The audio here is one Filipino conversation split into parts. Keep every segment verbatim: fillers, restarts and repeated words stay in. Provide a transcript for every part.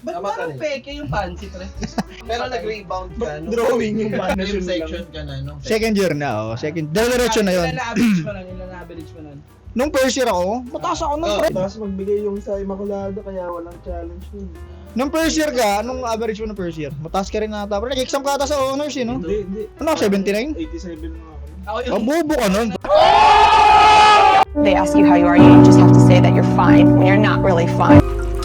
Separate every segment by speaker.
Speaker 1: Ba't parang peke yung fancy, pre?
Speaker 2: Pero nag-rebound ka, no?
Speaker 3: Drawing yung
Speaker 2: Film
Speaker 3: panasyon
Speaker 2: section
Speaker 3: lang.
Speaker 2: ka na, no?
Speaker 4: Second year na, oh. Second, diretso na yun.
Speaker 1: Ilan na average mo nun? Ilan na average mo nun?
Speaker 4: Nung first year ako, mataas ako nung
Speaker 2: Oh.
Speaker 4: pre.
Speaker 3: Tapos magbigay yung sa Immaculada kaya walang challenge nun.
Speaker 4: Nung first year ka, anong average mo ng first year? Mataas ka rin na ata. Pero nag-exam ka ata sa honors, eh, no?
Speaker 3: Hindi, hindi.
Speaker 4: Ano, seventy-nine?
Speaker 3: eighty-seven nga ako.
Speaker 1: Ako
Speaker 4: Ang bobo ka nun.
Speaker 5: They ask you how you are, you just have to say that you're fine when you're not really fine.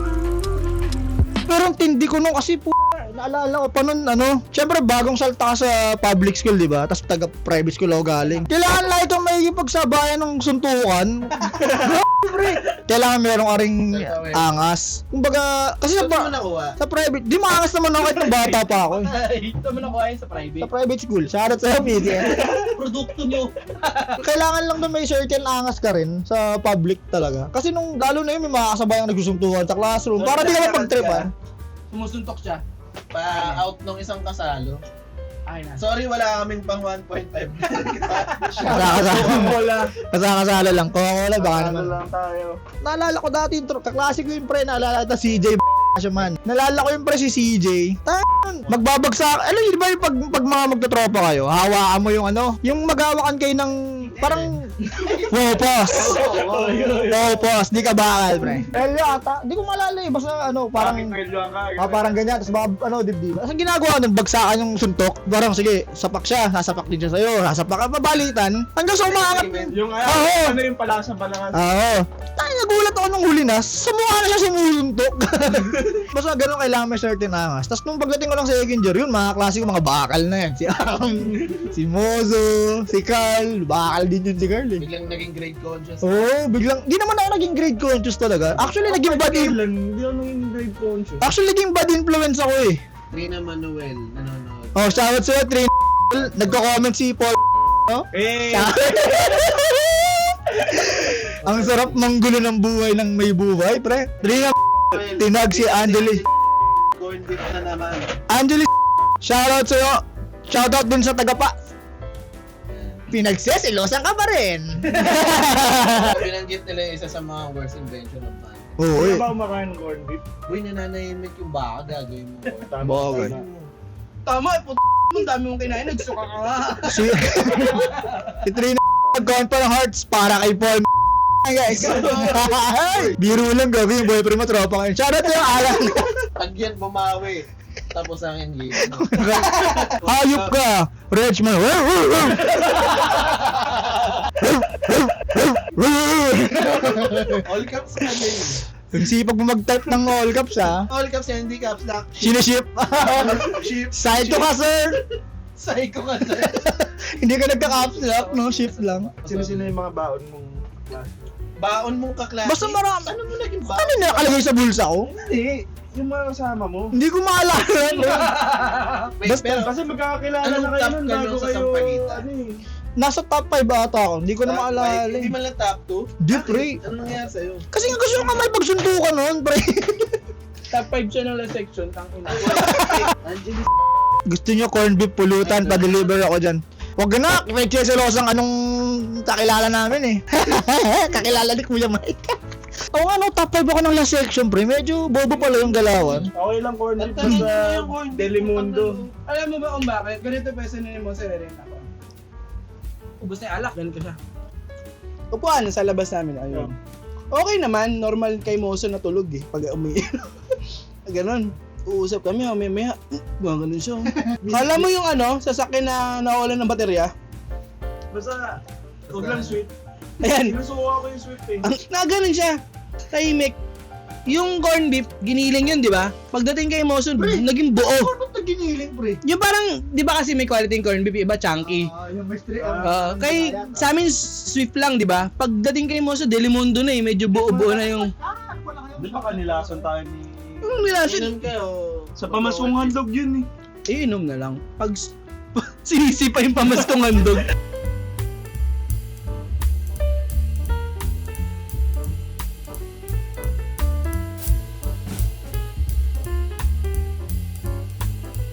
Speaker 4: Pero ang tindi ko nung kasi po, naalala ko pa nun, ano, syempre bagong salta ka sa public school, di ba? Tapos taga private school ako galing. Kailangan lang itong may pagsabayan ng suntukan. Pre, kailangan meron ka ring angas. Kumbaga, kasi sa,
Speaker 2: Saan mo
Speaker 4: pa-
Speaker 2: nakuha?
Speaker 4: sa private, di maangas naman ako kahit nung bata pa ako. eh.
Speaker 1: Ay, ito mo nakuha yun sa private.
Speaker 4: Sa private school, shoutout sa'yo, P D.
Speaker 1: Produkto nyo.
Speaker 4: Kailangan lang na may certain angas ka rin sa public talaga. Kasi nung lalo na yun, may mga kasabayang nagsusuntukan sa classroom. Para di ka mapag-tripan.
Speaker 1: Sumusuntok siya.
Speaker 2: Pa-out nung isang kasalo.
Speaker 1: Ay, na.
Speaker 2: Sorry, wala kaming pang one point five.
Speaker 4: Kasakasala.
Speaker 3: Wala.
Speaker 4: Kasakasala lang. Coca-Cola, baka
Speaker 3: Ano
Speaker 4: naman.
Speaker 3: lang tayo.
Speaker 4: Naalala ko dati yung tro- kaklase ko yung pre, naalala ko si C J siya man. Naalala ko yung pre si C J. Tan, magbabagsak. Alam niyo ba yung pag, pag mga magtotropa kayo, hawakan mo yung ano, yung maghawakan kayo ng parang wow, pause. Wow, pause. Di ka bakal, pre. Eh, yata. Di ko maalala eh. Basta ano, parang ah, parang ganyan. Tapos baka ano, dibdib. Tapos ang ginagawa nun, bagsakan yung suntok. Parang sige, sapak siya. Sasapak din siya sa'yo. Sasapak ka, mabalitan. Hanggang sa umaangat.
Speaker 3: Yung ano,
Speaker 4: Oo.
Speaker 3: ano yung palasa balangan.
Speaker 4: Oo. Tayo, nagulat ako nung huli na. Sa mukha na siya sumusuntok. Basta ganun kailangan may certain angas. Tapos nung pagdating ko lang sa second year, yun, mga klase ko, mga bakal na yan. Si Ang, si Mozo, si Carl. Bakal din yun si Carl eh.
Speaker 2: Biglang naging grade conscious.
Speaker 4: Oo, oh, biglang, di naman ako naging grade conscious talaga. Actually, naging bad influence.
Speaker 3: Lang, hindi ako naging grade conscious.
Speaker 4: Actually, naging bad influence ako eh.
Speaker 2: Trina Manuel, nanonood.
Speaker 4: Oh, shoutout sa'yo, Trin. Nagko-comment si Paul. No?
Speaker 3: Eh,
Speaker 4: Ang sarap manggulo ng buhay ng may buhay, pre. Trin, tinag si Angeli.
Speaker 2: Corn beef na naman.
Speaker 4: Angeli, shoutout sa'yo. Shoutout dun sa tagapa. Pinagsesilosan ka pa rin.
Speaker 2: Binanggit nila yung isa sa mga worst invention of man.
Speaker 4: Oo,
Speaker 3: hindi
Speaker 4: eh.
Speaker 3: ba ako makain ng corned beef?
Speaker 2: Uy, nananahimik yung baka, gagawin mo.
Speaker 3: Tama,
Speaker 4: Bagay.
Speaker 3: tama.
Speaker 1: Tama, eh, puto mo, ang dami mong kinain, nagsuka ka nga.
Speaker 4: Si, si Trina nag-count pa ng hearts para kay Paul. Guys. Biro lang gabi yung boyfriend mo, tropa kayo. Shoutout sa'yo, Alan.
Speaker 2: Pag yan bumawi, tapos ang engage.
Speaker 4: Hayop ka, Regman.
Speaker 2: All caps ka din.
Speaker 4: Ang sipag mo mag-type ng all caps ha.
Speaker 2: All caps yan, hindi caps lock.
Speaker 4: Siniship.
Speaker 2: Ship.
Speaker 4: Side to ka, sir.
Speaker 2: Psycho ka sir.
Speaker 4: Hindi ka nagka-caps lock, no? Shift lang.
Speaker 3: Sino-sino yung mga baon mong klase?
Speaker 2: Baon mong kaklase.
Speaker 4: Basta marami.
Speaker 2: Ano mo naging baon?
Speaker 4: Ano nakalagay sa bulsa ko?
Speaker 3: Hindi. Yung mga kasama mo.
Speaker 4: Hindi ko maalala.
Speaker 2: Wait,
Speaker 4: Basta-
Speaker 2: pero
Speaker 3: Kasi magkakakilala
Speaker 2: Anong
Speaker 3: na kayo
Speaker 2: top
Speaker 3: nun
Speaker 2: ka
Speaker 3: bago
Speaker 2: nung sa
Speaker 3: kayo,
Speaker 2: Sampaguita?
Speaker 3: ano eh.
Speaker 4: Nasa top five ata ako. Hindi ko na
Speaker 2: top
Speaker 4: maalala.
Speaker 2: five, Hindi
Speaker 4: eh.
Speaker 2: man lang top two?
Speaker 4: Di, pre.
Speaker 2: Ano nangyari sa'yo?
Speaker 4: Kasi nga gusto ko nga may pagsuntukan nun, pre.
Speaker 1: Top five siya ng last section, tang ina.
Speaker 2: Angeli
Speaker 4: Gusto nyo corned beef pulutan, pa-deliver ako dyan. Huwag na, may cheselosang anong kakilala namin eh. Kakilala ni Kuya Mike. Oo nga no, top five ako ng last section, pre. Medyo bobo pala yung galawan.
Speaker 3: Okay lang corned beef
Speaker 2: Ang tanong
Speaker 3: sa
Speaker 2: mo yung corned beef,
Speaker 3: Delimundo.
Speaker 1: Alam mo ba kung bakit? Ganito pa yung sinunod mo sa rin ako. Ubus na yung alak, ganito siya. Upuan sa labas namin, ayun. Okay naman, normal kay Moso na tulog eh, pag umiinom. Ganon. Uusap kami, mamaya, gano'n siya. Alam mo yung ano, sasakyan na nawalan ng baterya?
Speaker 3: Basta, huwag lang sweet.
Speaker 1: Ayan,
Speaker 3: Sinusuka ko yung sweet eh.
Speaker 1: ang, na ganun siya. Tahimik. Yung corned beef, giniling yun, di ba? Pagdating kay Moso, naging buo.
Speaker 4: Ano na giniling, pre?
Speaker 1: Yung parang, di ba kasi may quality yung corned beef, iba chunky.
Speaker 4: Ah, yung may straight.
Speaker 1: Uh, kay sa amin swift lang, di ba? Pagdating kay Moso, Delimundo na eh, medyo buo-buo na yung
Speaker 3: Di ba kanilason tayo ni...
Speaker 1: yung nilasin.
Speaker 2: Inom ka o...
Speaker 3: Sa pamasong handog yun eh.
Speaker 1: Iinom na lang. Pag sinisi pa yung pamastong handog.